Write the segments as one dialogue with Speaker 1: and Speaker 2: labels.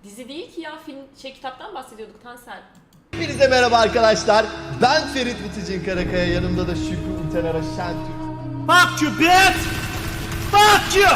Speaker 1: Dizi değil ki ya, film kitaptan bahsediyorduk Tansel.
Speaker 2: Hepinize merhaba arkadaşlar. Ben Ferit Biticin Karakaya, yanımda da Şükrü Utenara Şentürk.
Speaker 3: Fuck you bitch! Fuck you!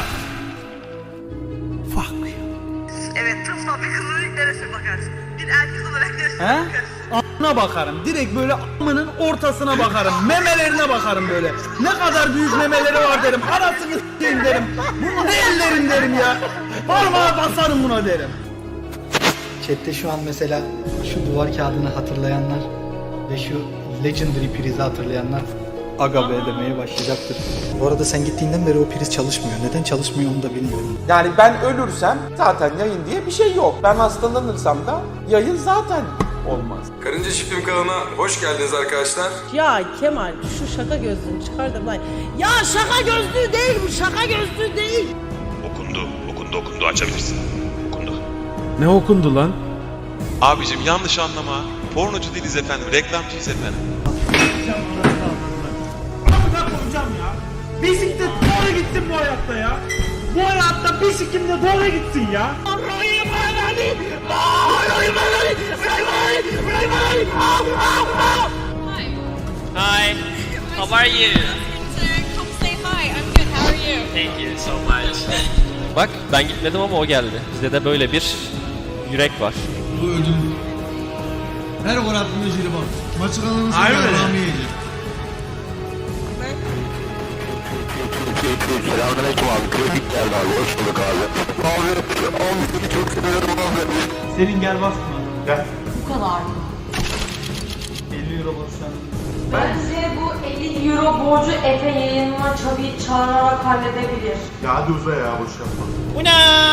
Speaker 3: Fuck you.
Speaker 4: Evet, tıpkı bir kızın ilk neresine bakarsın? Bir erkek olarak neresine
Speaker 3: He?
Speaker 4: bakarsın?
Speaker 3: A**ına bakarım. Direkt böyle a**ının ortasına bakarım. Memelerine bakarım böyle. Ne kadar büyük memeleri var derim. Anasını s**eyim derim. Bu ne ellerin derim ya. Parmağa basarım buna derim.
Speaker 5: Chat'te şu an mesela şu duvar kağıdını hatırlayanlar ve şu Legendary prizi hatırlayanlar aga be demeye başlayacaktır. Bu arada sen gittiğinden beri o priz çalışmıyor. Neden çalışmıyor onu da bilmiyorum.
Speaker 6: Yani ben ölürsem zaten yayın diye bir şey yok. Ben hastalanırsam da yayın zaten olmaz.
Speaker 7: Karınca Çiftliğim kanalına hoş geldiniz arkadaşlar.
Speaker 8: Ya Kemal şu şaka gözlüğünü çıkardır lan. Ya şaka gözlüğü değil bu, şaka gözlüğü değil.
Speaker 9: Okundu açabilirsin. Okundu.
Speaker 10: Ne okundu lan?
Speaker 9: Abicim yanlış anlama. Pornocu değiliz efendim, reklamcıyız efendim.
Speaker 3: Amına koyacağım ya. Bisiklet doğru gitsin bu hayatta ya. Bu hayatta bisikletle doğru gitsin ya.
Speaker 11: Hi, how are you?
Speaker 4: Come say hi, I'm good, how are you?
Speaker 11: Thank you so much. Bak ben gitmedim ama o geldi. Bizde de böyle bir yürek var.
Speaker 10: Bu ödül. Her gol attığında jelibon. Maçı kazanırsa
Speaker 3: Aynen öyle.
Speaker 10: Rami yiyecek.
Speaker 9: Selamünaleyküm abi, kritik geldi abi, hoş bulduk abi. Abi seni çok seviyorum abi.
Speaker 3: Senin gel basma. Gel.
Speaker 1: Bu kadar.
Speaker 3: 50 euro bassan.
Speaker 1: Bence bu 50 euro borcu Efe yayınına çağırarak halledebilir.
Speaker 10: Ya hadi uza ya, boş yapma.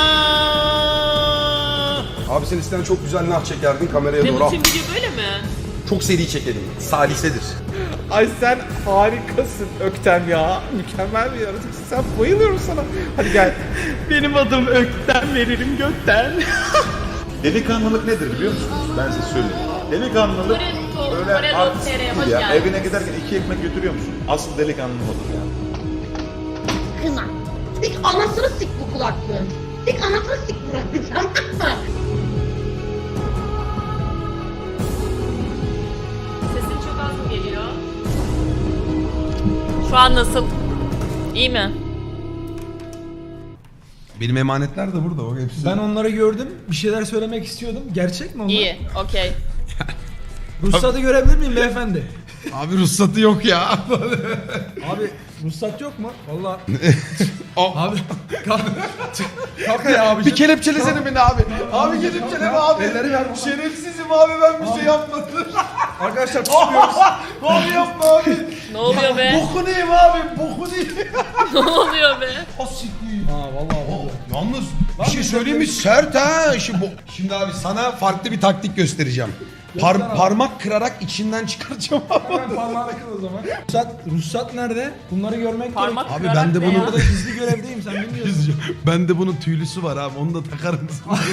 Speaker 7: Abi sen isten çok güzel nah çekerdin kameraya doğru.
Speaker 1: Bütün video böyle mi?
Speaker 7: Çok seri çekelim. Salisedir.
Speaker 6: Ay sen harikasın Öktem ya. Mükemmel bir yaratıksın. Sen bayılıyorum sana. Hadi gel.
Speaker 3: Benim adım Ökten, veririm gökten.
Speaker 10: Delikanlılık nedir biliyor musunuz? Ben size söyleyeyim. Delikanlılık böyle artistik değil ya. Evine giderken 2 ekmek götürüyor musun? Asıl delikanlılık odur ya.
Speaker 4: Kına. Sik anasını sik bu kulaklığın. Sik anasını sik bırakacağım.
Speaker 1: Sesin çok az mı geliyor? Şu an nasıl? İyi mi?
Speaker 7: Benim emanetler de burada. O hepsi.
Speaker 10: Ben onları gördüm. Bir şeyler söylemek istiyordum. Gerçek mi onlar?
Speaker 1: İyi, okey.
Speaker 10: Ruhsatı görebilir miyim beyefendi?
Speaker 7: Abi ruhsatı yok ya.
Speaker 10: Abi ruhsat yok mu? Vallahi. Abi kalk ya abi.
Speaker 7: Bir kelepçelesene beni abi. Abi kelepçeleme abi. Şerefsizim abi, ben bir şey yapmadım.
Speaker 10: Arkadaşlar çıkıyoruz.
Speaker 7: Abi yapma abi.
Speaker 1: Ne oluyor be?
Speaker 7: Boku neyim abi? Boku neyim?
Speaker 1: Ne oluyor be?
Speaker 10: Ha vallahi.
Speaker 7: Yalnız bir şey söyleyeyim mi? Sert ha. Şimdi abi sana farklı bir taktik göstereceğim. Parmak kırarak içinden çıkaracağım abi.
Speaker 10: Hemen parmağını kır o zaman. Ruhsat nerede? Bunları görmek
Speaker 1: Parmak
Speaker 10: gerek.
Speaker 7: Abi
Speaker 1: kırarak
Speaker 7: ben de
Speaker 1: ne
Speaker 7: bunu-
Speaker 1: ya?
Speaker 10: Burada gizli görevdeyim, sen bilmiyorsun.
Speaker 7: Ben de bunun tüylüsü var abi. Onu da takarım.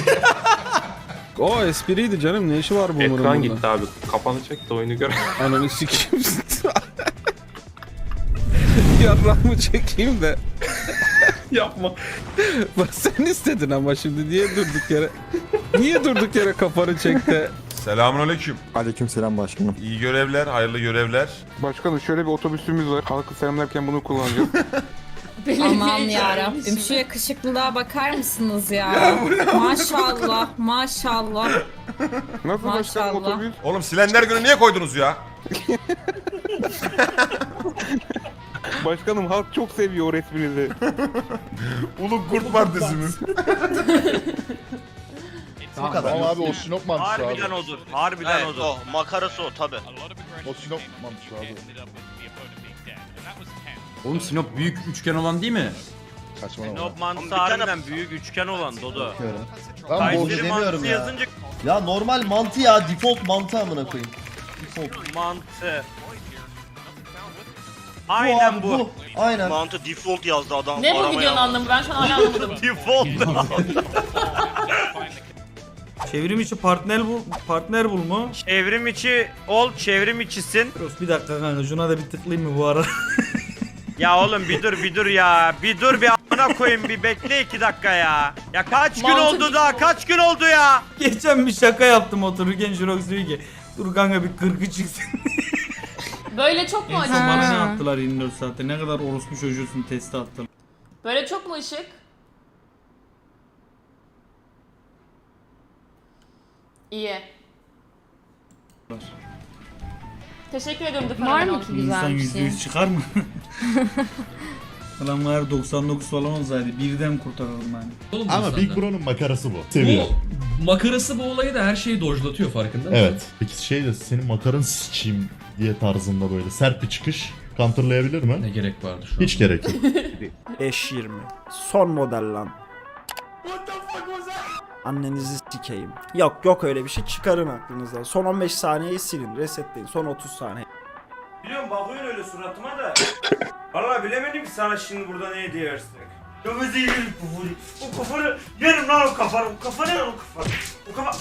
Speaker 10: O espriydi canım, ne işi var bu
Speaker 9: Ekran gitti abi, kafanı çek de oyunu gör.
Speaker 10: Ananı sikeyim. Yarrağımı çekeyim de.
Speaker 9: Yapma.
Speaker 10: Bak sen istedin ama şimdi niye durduk yere kafanı çekti?
Speaker 7: Selamünaleyküm.
Speaker 9: Aleykümselam başkanım.
Speaker 7: İyi görevler, hayırlı görevler.
Speaker 9: Başkanım şöyle bir otobüsümüz var. Halkı selamlarken bunu kullanacağız.
Speaker 1: Aman yarabbim, şu yakışıklılığa bakar mısınız ya? Maşallah, maşallah.
Speaker 9: Nasıl
Speaker 1: başkanım
Speaker 9: otobüs?
Speaker 7: Oğlum silenler günü niye koydunuz ya?
Speaker 9: Başkanım halk çok seviyor o resminizi.
Speaker 7: Ulu Kurt Partisi mi?
Speaker 2: Bu kadar.
Speaker 10: Tamam abi, o Sinop mantısı abi.
Speaker 11: Harbiden odur. Harbiden odur.
Speaker 6: O makarası o tabi.
Speaker 10: O Sinop mantısı abi.
Speaker 3: Oğlum Sinop büyük üçgen olan değil mi?
Speaker 10: Saçmalama.
Speaker 11: Sinop mantısı harbiden büyük üçgen olan Dodo.
Speaker 2: Ben borcu
Speaker 11: Kayseri
Speaker 2: demiyorum
Speaker 11: mantısı
Speaker 2: ya.
Speaker 11: yazınca
Speaker 2: Ya normal mantı ya, default mantı amına koyayım. Default.
Speaker 11: mantı.
Speaker 2: Bu
Speaker 11: Aynen
Speaker 2: abi,
Speaker 11: bu.
Speaker 2: Aynen.
Speaker 6: Mantı default yazdı adam.
Speaker 1: Ne bu videonun anlamı? Ben şu an hala anlamadım.
Speaker 11: Default.
Speaker 3: Çevrim içi partner bul mu?
Speaker 11: Çevrim içi ol, çevrim içisin.
Speaker 3: Bir dakika kanka, şuna da bir tıklayayım mı bu ara?
Speaker 11: Ya oğlum bir dur ya. Bir dur bir a**ına
Speaker 3: amına koyayım bir bekle 2 dakika ya. Ya kaç gün oldu daha kaç gün oldu ya. Geçen bir şaka yaptım otururken Jurox diyor ki dur kanka bir 40'ı çıksın.
Speaker 1: Böyle çok mu acı?
Speaker 3: Bana ne attılar 24 saatte ne kadar orospu çocuğusun testi attım.
Speaker 1: Böyle çok mu ışık? İyi. Teşekkür ediyorum da
Speaker 4: Var mı ki
Speaker 3: İnsan
Speaker 4: güzel bir şey?
Speaker 3: %100 çıkar mı? Falan var 99 falan olsaydı birden kurtarırım yani.
Speaker 10: Ama Big Bro'nun makarası bu. Seviyor.
Speaker 12: Makarası bu olayı da her şeyi dojlatıyor farkında mısın?
Speaker 10: Evet. Peki şey de senin makaranı sikeyim diye tarzında böyle sert bir çıkış counterlayabilir mi?
Speaker 12: Ne gerek vardı şu an?
Speaker 10: Hiç gerek yok.
Speaker 3: S20 son model lan. Annenizi sikeyim. Yok öyle bir şey çıkarın aklınızdan. Son 15 saniyeyi silin, resetleyin. Son 30 saniye. Biliyorum bakıyorsun öyle suratıma da. Vallahi bilemedim ki sana şimdi burada ne hediye versek. Ya bizi yerim kufuru. O kufuru yerim lan o kafanı. O kafanı yerim o kafanı. O kafa...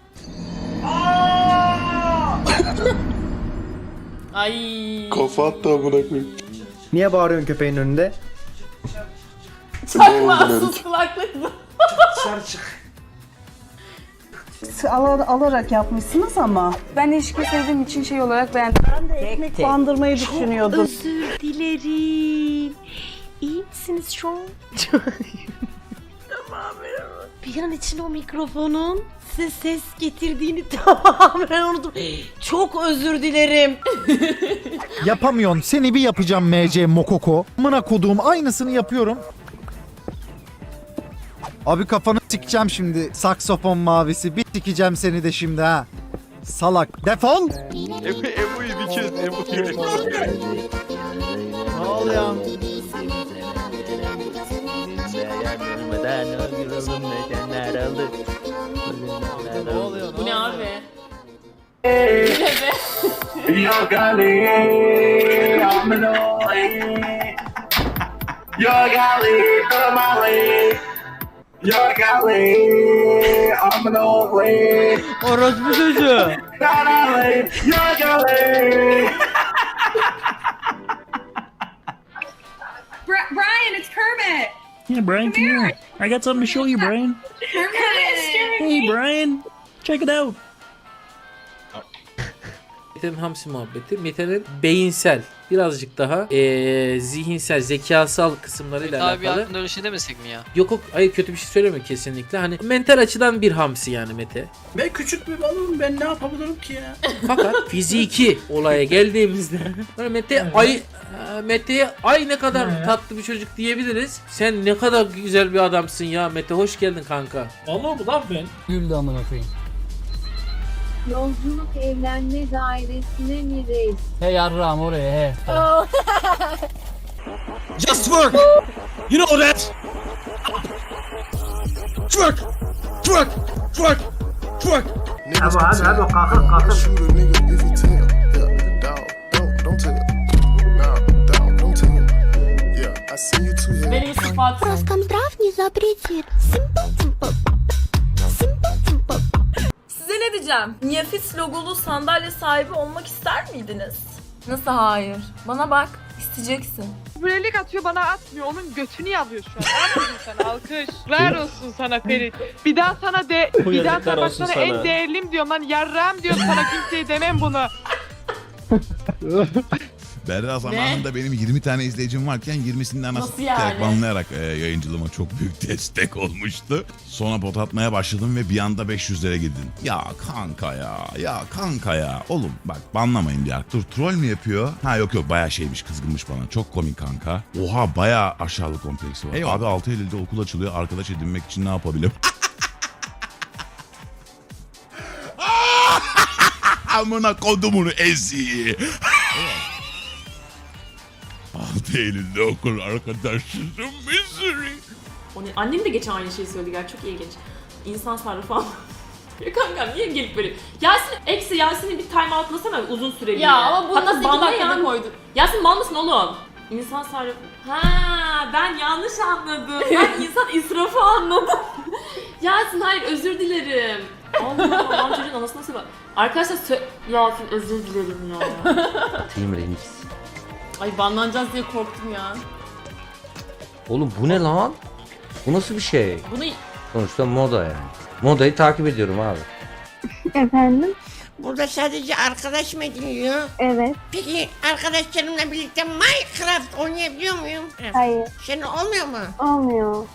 Speaker 1: Ay.
Speaker 9: Kafa attı amına koyayım.
Speaker 5: Niye bağırıyorsun köpeğin önünde?
Speaker 1: Çakma sus kulaklık bu.
Speaker 3: Dışarı çık.
Speaker 8: Alarak yapmışsınız ama. Ben ilişki sevdiğim için şey olarak beğendim. Ben de ekmek bandırmayı düşünüyordum.
Speaker 4: Özür dilerim. İyi misiniz şu an? Tamamen. Bir an içinde o mikrofonun size ses getirdiğini tamamen unuttum. Çok özür dilerim.
Speaker 5: Yapamıyorsun. Seni bir yapacağım MC Mokoko. Amına koduğum aynısını yapıyorum. Abi kafanı sikeceğim şimdi. Saksofon mavisi. Bir sikeceğim seni de şimdi ha. Salak. Defol.
Speaker 9: Ebu'yu bir kez, Ebu'yu bir
Speaker 5: Ne oluyor? Ne oluyor?
Speaker 1: Bu ne abi?
Speaker 3: Orospu çocuğu.
Speaker 1: Brian, it's Kermit.
Speaker 3: Yeah, Brian, come here. I got something to show you, Brian. Hey, Brian, check it out.
Speaker 11: Mete'nin hamsi muhabbeti. Mete'nin beyinsel, birazcık daha zihinsel, zekasal kısımlarıyla alakalı. Abi aklında öyle şey demesek mi ya? Yok, hayır kötü bir şey söylemiyorum kesinlikle. Hani mental açıdan bir hamsi yani Mete.
Speaker 3: Ben küçük bir balığım, ben ne yapabilirim ki ya?
Speaker 11: Fakat fiziki olaya geldiğimizde böyle Mete'ye ay ne kadar tatlı bir çocuk diyebiliriz. Sen ne kadar güzel bir adamsın ya Mete, hoş geldin kanka.
Speaker 3: Vallahi bu lan ben.
Speaker 5: Güldü amına koyayım.
Speaker 4: Yolculuk evlenme dairesine mi reis?
Speaker 5: He yarrağım oraya he.
Speaker 3: Just work. You know that. Twerk. Twerk. Twerk. Twerk. Hadi kalkın.
Speaker 1: Benim sıfatım.
Speaker 4: Роскомздрав не запретит.
Speaker 1: Size ne diyeceğim? Niyafis logolu sandalye sahibi olmak ister miydiniz? Nasıl hayır? Bana bak, isteyeceksin.
Speaker 8: Brelik atıyor bana atmıyor. Onun götünü yalıyor şu an. Aferin sana alkış. Ver olsun sana Ferit. Bir daha sana bak sana en değerlim diyorum lan. Yarrağım diyorum sana, kimseye demem bunu.
Speaker 9: Berra zamanında benim 20 tane izleyicim varken 20'sini anasını
Speaker 1: Nasıl yani?
Speaker 9: banlayarak yayıncılığıma çok büyük destek olmuştu. Sonra pot atmaya başladım ve bir anda 500'lere girdin. Ya kanka ya. Oğlum bak banlamayın ya. Dur troll mü yapıyor? Ha yok bayağı şeymiş, kızgınmış bana. Çok komik kanka. Oha bayağı aşağılık kompleksi var. Eyvallah. Abi 6 Eylül'de okul açılıyor. Arkadaş edinmek için ne yapabilirim? Amına kodumunu ezi. 6 Eylül'de okul arkadaşım Missouri.
Speaker 1: Annem de geçen aynı şeyi söyledi gerçi, çok ilginç. İnsan sarrafı falan. Ya kankam niye gelip böyle... Yasin'i bir time outlasana uzun süreli. Ya ama bunu nasıl 2 dakikada koydun? Yasin mal mısın oğlum? İnsan sarrafı... Ha, ben yanlış anladım. Ben insan israfı anladım. Yasin hayır, özür dilerim. Allah Allah, çocuğun anasını nasıl bak. Arkadaşlar Yasin özür dilerim ya. Ay banlanacağız diye korktum ya.
Speaker 13: Oğlum bu ne lan? Bu nasıl bir şey?
Speaker 1: Bunu
Speaker 13: Sonuçta moda yani. Modayı takip ediyorum abi.
Speaker 14: Efendim?
Speaker 4: Burada sadece arkadaş mı ediniyor?
Speaker 14: Evet.
Speaker 4: Peki arkadaşlarımla birlikte Minecraft oynayabiliyor muyum?
Speaker 14: Hayır.
Speaker 4: Senin olmuyor mu?
Speaker 14: Olmuyor.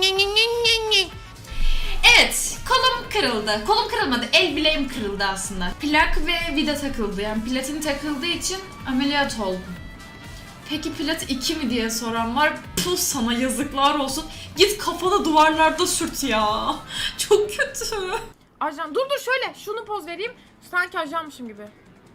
Speaker 15: Evet, kolum kırıldı. Kolum kırılmadı, el bileğim kırıldı aslında. Plak ve vida takıldı. Yani platin takıldığı için ameliyat oldum. Peki plat 2 mi diye soran var. Puh, sana yazıklar olsun. Git kafana duvarlarda sürt ya. Çok kötü.
Speaker 1: ajan dur şöyle şunu poz vereyim. Sanki ajanmışım gibi.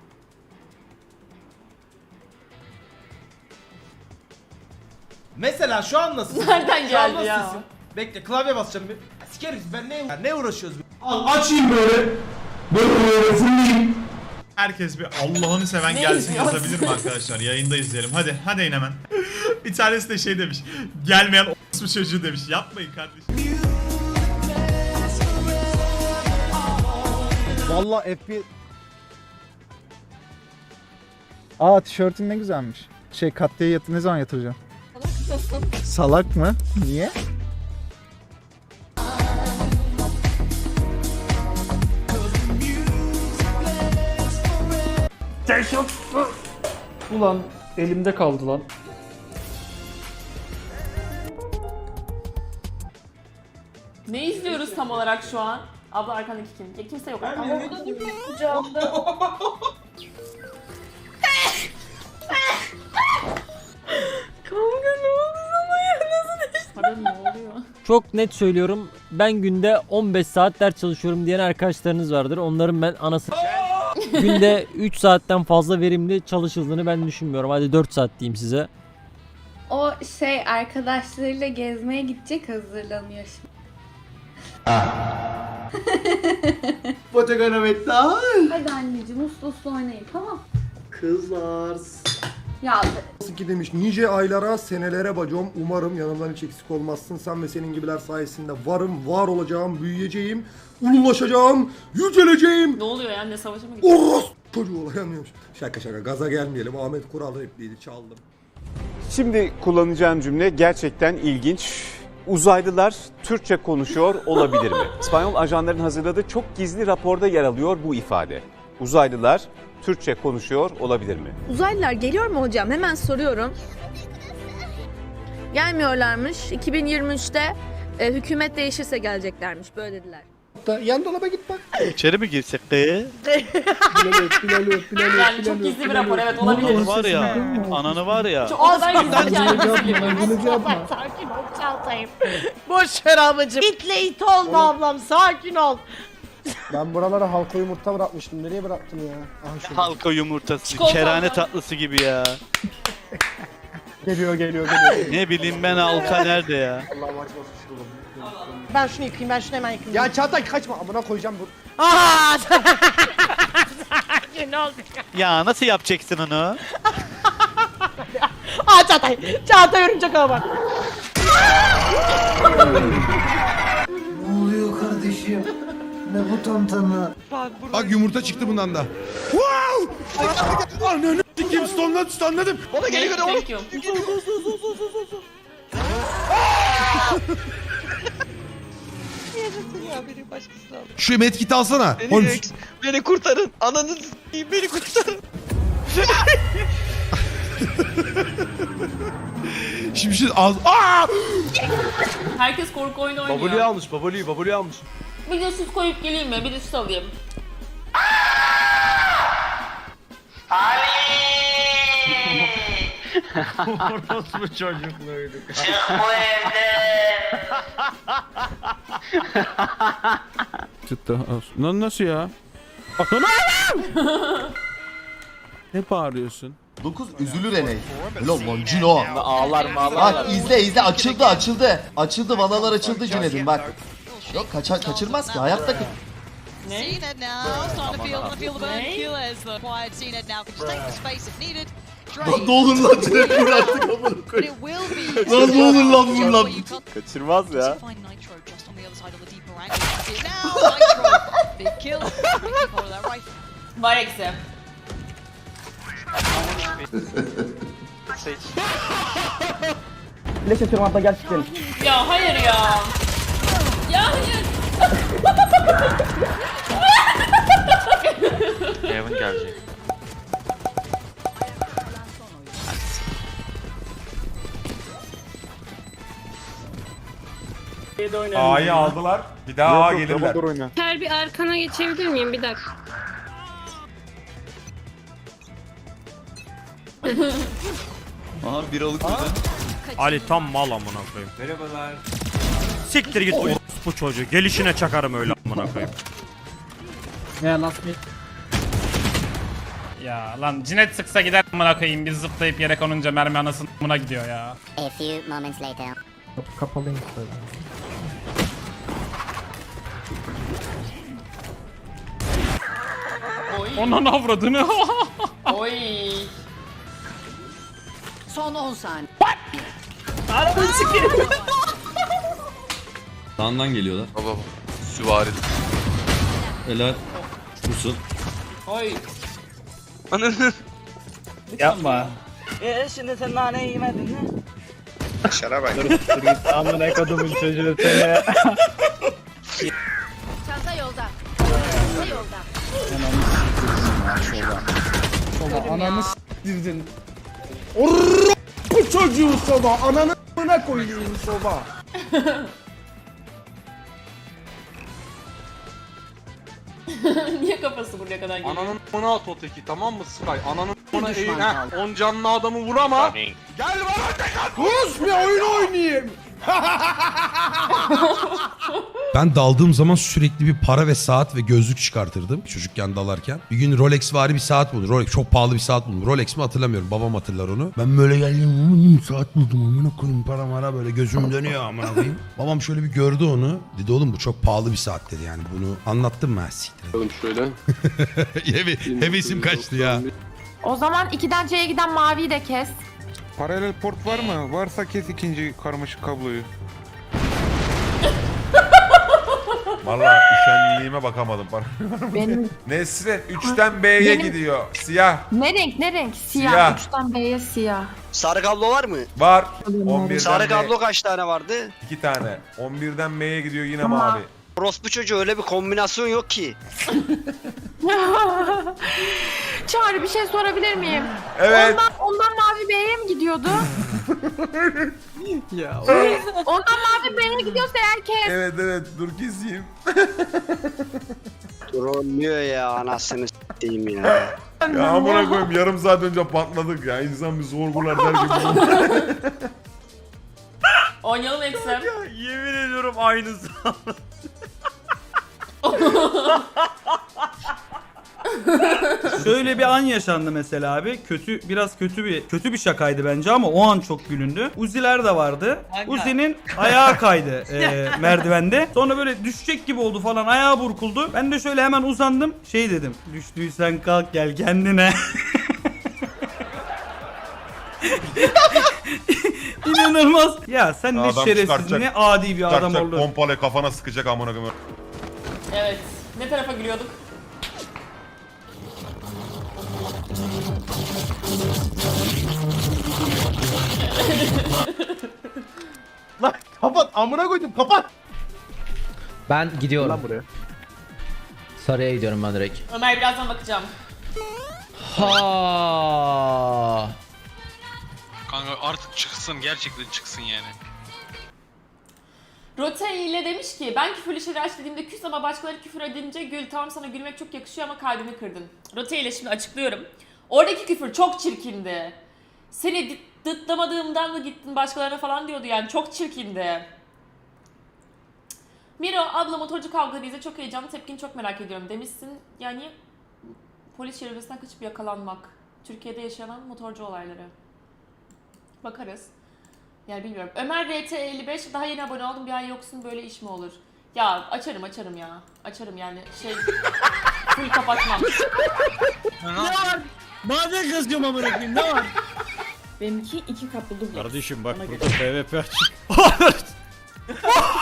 Speaker 3: Mesela şu an nasıl?
Speaker 1: Nereden
Speaker 3: Şu an
Speaker 1: geldi ya?
Speaker 3: nasılsın? Bekle klavye basacağım bir. Sikeriz ben ne uğraşıyoruz? Açayım böyle. Böyle fırlayayım.
Speaker 10: Herkes bir Allah'ını seven gelsin yazabilir mi arkadaşlar? Yayında izleyelim. Hadi in hemen. Bir tanesi de şey demiş. Gelmeyen o çocuğu demiş. Yapmayın kardeşim.
Speaker 3: Vallahi FB... Aa tişörtün ne güzelmiş. Katliye ne zaman yatıracağım? Salak mı? Niye?
Speaker 12: Ulan elimde kaldı lan.
Speaker 1: Ne izliyoruz tam olarak şu an? Abla arkandaki kim? Ya kimse yok.
Speaker 14: Ama o da duruyor kucağımda.
Speaker 1: Kanka ne oldu sana ya? Nasıl değişti? Pardon ne oluyor?
Speaker 12: Çok net söylüyorum. Ben günde 15 saat ders çalışıyorum diyen arkadaşlarınız vardır. Onların ben anası günde 3 saatten fazla verimli çalışıldığını ben düşünmüyorum. Hadi 4 saat diyeyim size.
Speaker 14: O arkadaşlarıyla gezmeye gidecek, hazırlanıyor şimdi. Hadi anneciğim uslu uslu oynayın, tamam.
Speaker 3: Kızlar.
Speaker 14: Ya
Speaker 3: Nasıl ki demiş nice aylara senelere bacım, umarım yanımdan hiç eksik olmazsın, sen ve senin gibiler sayesinde varım, var olacağım, büyüyeceğim, ululaşacağım, yüceleceğim.
Speaker 1: Ne oluyor ya? Ne savaşa mı gidiyor?
Speaker 3: Oros çocuğu olayamıyormuş. Şaka gaza gelmeyelim, Ahmet Kural repliğiydi, çaldım.
Speaker 6: Şimdi kullanacağım cümle gerçekten ilginç. Uzaylılar Türkçe konuşuyor olabilir mi? İspanyol ajanların hazırladığı çok gizli raporda yer alıyor bu ifade. Uzaylılar Türkçe konuşuyor olabilir mi?
Speaker 15: Uzaylılar geliyor mu hocam? Hemen soruyorum. Gelmiyorlarmış. 2023'te hükümet değişirse geleceklermiş. Böyle dediler.
Speaker 3: Yan dolaba git bak.
Speaker 10: İçeri mi girsek?
Speaker 1: Yani çok gizli bir rapor, evet olabilir.
Speaker 10: Var ya, ananı var ya.
Speaker 1: Çok o kadar gizli ki yani.
Speaker 4: Sakin ol Çağatay'ım. Boş ver ablacığım. İtle it olma ablam, sakin ol.
Speaker 3: Ben buralara halka yumurta bırakmıştım, nereye bıraktım ya? Aha şurada.
Speaker 10: Halka yumurtası,
Speaker 1: Çikolata
Speaker 10: kerane
Speaker 1: var.
Speaker 10: tatlısı gibi ya.
Speaker 3: Geliyor.
Speaker 10: Ne bileyim ben halka nerede ya?
Speaker 3: Allah'ım açmasın şunu.
Speaker 4: Ben şunu yıkayayım, ben şunu hemen yıkayayım.
Speaker 3: Ya Çağatay kaçma, amına koyacağım bu.
Speaker 4: Aaa! Ne oldu?
Speaker 10: Ya nasıl yapacaksın onu?
Speaker 4: Aa Çağatay örümcek ağa bak.
Speaker 3: Ne oluyor kardeşim? Ne bu tantana?
Speaker 7: Bak yumurta çıktı bundan da. Wow! Ananı s**eyim, stunladım.
Speaker 3: Bana geliyor
Speaker 1: Thank you.
Speaker 7: Şu medkiti alsana.
Speaker 3: Beni kurtarın. Ananı s**eyim, beni kurtarın.
Speaker 7: Şimdi şey az. Aa!
Speaker 1: Herkes korku oyunu oynuyor.
Speaker 3: almış, babaluyu almış.
Speaker 1: Bir de süt koyup geleyim mi? Bir de süt alayım.
Speaker 10: Orospu çocukluğuydu.
Speaker 4: Çık bu evden.
Speaker 6: Nasıl ya? Ne bağırıyorsun?
Speaker 2: 9 üzülür Eney. Ulan lan Cino. Bak izle açıldı. Açıldı valalar açıldı Cüneyt'in bak. Yok kaçırmaz ki hayatta
Speaker 1: Ne?
Speaker 2: Lan ne olur lan Cüneyt vur artık amına koyayım. Lan ne olur lan vur lan.
Speaker 10: Kaçırmaz ya.
Speaker 1: Var eksi.
Speaker 3: Flash atıyorum abla gel çıkalım.
Speaker 1: Ya hayır ya. Ya hayır.
Speaker 16: Heaven gelecek.
Speaker 10: A'yı aldılar. Bir daha A gelirler.
Speaker 17: Her bir arkana geçebilir miyim bir dakika?
Speaker 16: Aha bir alık
Speaker 12: Ali tam mal amına koyayım.
Speaker 10: Merhabalar.
Speaker 12: Siktir git bu çocuğu. Gelişine çakarım öyle amına koyayım.
Speaker 3: Ya last mid.
Speaker 12: Ya lan cinet sıksa gider amına koyayım. Biz zıplayıp yere konunca mermi anasının amına gidiyor ya.
Speaker 17: A few moments later.
Speaker 3: Kapalıyım.
Speaker 12: Onun avradını.
Speaker 1: Oy.
Speaker 17: Son 10 saniye.
Speaker 16: Sağından geliyorlar. Baba süvari. Helal. Musul.
Speaker 1: Oy.
Speaker 16: Ananı.
Speaker 3: Yapma.
Speaker 17: Şimdi sen naneyi yemedin mi?
Speaker 10: Şara bak.
Speaker 3: Dur git amına kodumun çocuğu seni.
Speaker 17: Çanta yolda. Çanta yolda.
Speaker 3: Ananı s**tirdin. Bu çocuğu soba. Ananı s**ına koyayım soba.
Speaker 1: Niye kafası buraya kadar geliyor?
Speaker 16: Ananın bana at o teki, tamam mı Sky? Ananın bana eğin ha. 10 canlı adamı vur ama. Gel bana tek at.
Speaker 3: Sus bir oyun oynayayım.
Speaker 7: Ben daldığım zaman sürekli bir para ve saat ve gözlük çıkartırdım çocukken dalarken. Bir gün Rolex vari bir saat buldum. Rolex çok pahalı bir saat buldum. Rolex mi hatırlamıyorum. Babam hatırlar onu. Ben böyle geldim. Saat buldum. Amına koyayım para mara böyle gözüm dönüyor amına koyayım. Babam şöyle bir gördü onu. Dedi oğlum bu çok pahalı bir saat dedi yani. Bunu anlattım mı? Siktir.
Speaker 16: Oğlum şöyle.
Speaker 7: Hevesim kaçtı ya.
Speaker 14: O zaman 2'den C'ye giden maviyi de kes.
Speaker 10: Paralel port var mı? Varsa kes ikinci karmaşık kabloyu. Vallahi üşenliğime bakamadım.
Speaker 14: Benim
Speaker 10: Nesrin 3'ten B'ye gidiyor. Siyah.
Speaker 14: ne renk ne renk?
Speaker 10: Siyah.
Speaker 14: 3'ten B'ye siyah.
Speaker 16: Sarı kablo var mı?
Speaker 10: Var. 11'den
Speaker 16: Sarı
Speaker 10: B.
Speaker 16: kablo kaç tane vardı?
Speaker 10: 2 tane. 11'den B'ye gidiyor yine
Speaker 14: Tamam.
Speaker 10: mavi.
Speaker 16: Orospu çocuğu öyle bir kombinasyon yok ki.
Speaker 14: Çağrı bir şey sorabilir miyim?
Speaker 10: Evet.
Speaker 14: Ondan mavi B'ye mi gidiyordu?
Speaker 3: Ya.
Speaker 14: Ondan mavi B'ye gidiyorsa eğer kes.
Speaker 10: Evet evet dur keseyim.
Speaker 16: Trollüyor ya anasını s**eyim ya.
Speaker 10: Ya amına koyayım yarım saat önce patladık ya. İnsan bir sorgular der gibi.
Speaker 1: Oynayalım Eksem.
Speaker 12: Yemin ediyorum aynısı.
Speaker 3: Şöyle bir an yaşandı mesela abi. Biraz kötü bir şakaydı bence ama o an çok gülündü. Uzi'ler de vardı. Uzi'nin ayağı kaydı merdivende. Sonra böyle düşecek gibi oldu falan. Ayağı burkuldu. Ben de şöyle hemen uzandım. Şey dedim. Düştüysen kalk gel kendine. İnanılmaz. Ya sen ne
Speaker 10: Adam
Speaker 3: şerefsiz
Speaker 10: çıkartacak.
Speaker 3: ne adi bir adam
Speaker 10: Çıkartacak,
Speaker 3: oldun.
Speaker 10: pompale kafana sıkacak amına koyayım.
Speaker 1: Evet. Ne tarafa gülüyorduk?
Speaker 3: Lan kapat amına koydum kapat.
Speaker 13: Ben gidiyorum.
Speaker 3: Lan buraya.
Speaker 13: Sarıya gidiyorum ben direkt.
Speaker 1: Ömer birazdan bakacağım.
Speaker 13: Ha.
Speaker 16: Kanka artık çıksın, gerçekten çıksın yani.
Speaker 1: Rote ile demiş ki ben küfürlü şeyler açtığımda küs ama başkaları küfür edince gül. Tamam sana gülmek çok yakışıyor ama kalbimi kırdın. Rote ile şimdi açıklıyorum. Oradaki küfür çok çirkindi. Seni dıtlamadığımdan mı gittin başkalarına falan diyordu yani çok çirkindi. Miro abla motorcu kavgaları izle çok heyecanlı tepkini çok merak ediyorum demişsin. Yani polis şerefesinden kaçıp yakalanmak. Türkiye'de yaşanan motorcu olayları. Bakarız. Yani bilmiyorum. Ömer RT55 daha yeni abone oldum. Bir ay yoksun böyle iş mi olur? Ya açarım ya. Açarım yani şey full kapatmam.
Speaker 3: Ne var? Bazen kızıyorum amına koyayım ne var?
Speaker 14: Benimki 2 kaplı dubleks.
Speaker 12: Kardeşim bak burada PvP açık.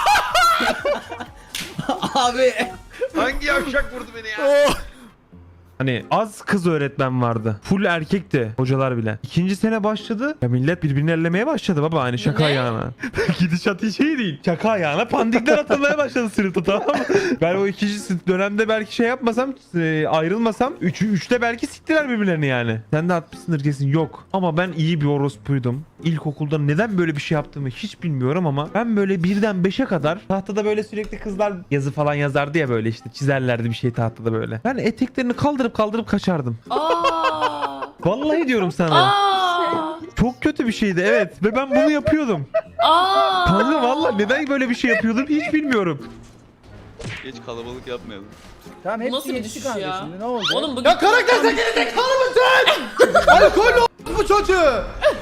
Speaker 3: Abi.
Speaker 10: Hangi yavşak vurdu beni ya?
Speaker 18: Hani az kız öğretmen vardı. Full erkekti hocalar bile. 2. sene başladı. Ya millet birbirini ellemeye başladı baba hani şaka ayağına. Gidişat hiç iyi değil. Şaka ayağına pandikler atılmaya başladı sınıfta, tamam mı? Ben o 2. dönemde belki şey yapmasam, ayrılmasam 3'te belki siktiler birbirlerini yani. Sen de atmışsındır kesin. Yok. Ama ben iyi bir orospuydum. İlkokulda neden böyle bir şey yaptığımı hiç bilmiyorum ama ben böyle 1'den 5'e kadar tahtada böyle sürekli kızlar yazı falan yazardı ya, böyle işte çizerlerdi bir şey tahtada böyle. Ben eteklerini kaldırıp kaçardım. Vallahi diyorum sana. Çok kötü bir şeydi, evet, ve ben bunu yapıyordum. Kanka vallahi neden böyle bir şey yapıyordum hiç bilmiyorum.
Speaker 19: Geç kalabalık yapmayalım.
Speaker 3: Tamam hepsi
Speaker 1: Nasıl bir
Speaker 3: yetişti
Speaker 1: düşüş
Speaker 3: kanka
Speaker 1: ya?
Speaker 3: şimdi ne olacak?
Speaker 1: Oğlum bugün...
Speaker 2: Ya karakter sen gerizekalı mısın? Alkollü bu çocuğu.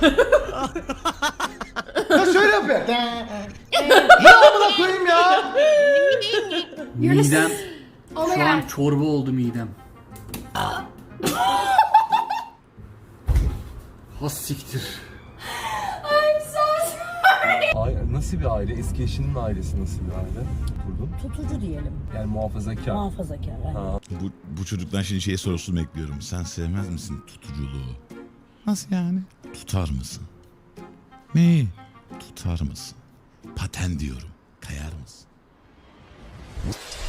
Speaker 2: Ya şöyle yapıyor. Ne amına koyayım ya?
Speaker 20: Midem şu an çorba oldu midem. Has siktir.
Speaker 21: Nasıl bir aile? Eski eşinin ailesi nasıl bir aile kurdun?
Speaker 4: Tutucu diyelim.
Speaker 21: Yani muhafazakar.
Speaker 4: Muhafazakar. Evet.
Speaker 9: Bu çocuktan şimdi şey sorusunu bekliyorum. Sen sevmez misin tutuculuğu? Nasıl yani? Tutar mısın? Neyi? Tutar mısın? Paten diyorum. Kayar mısın?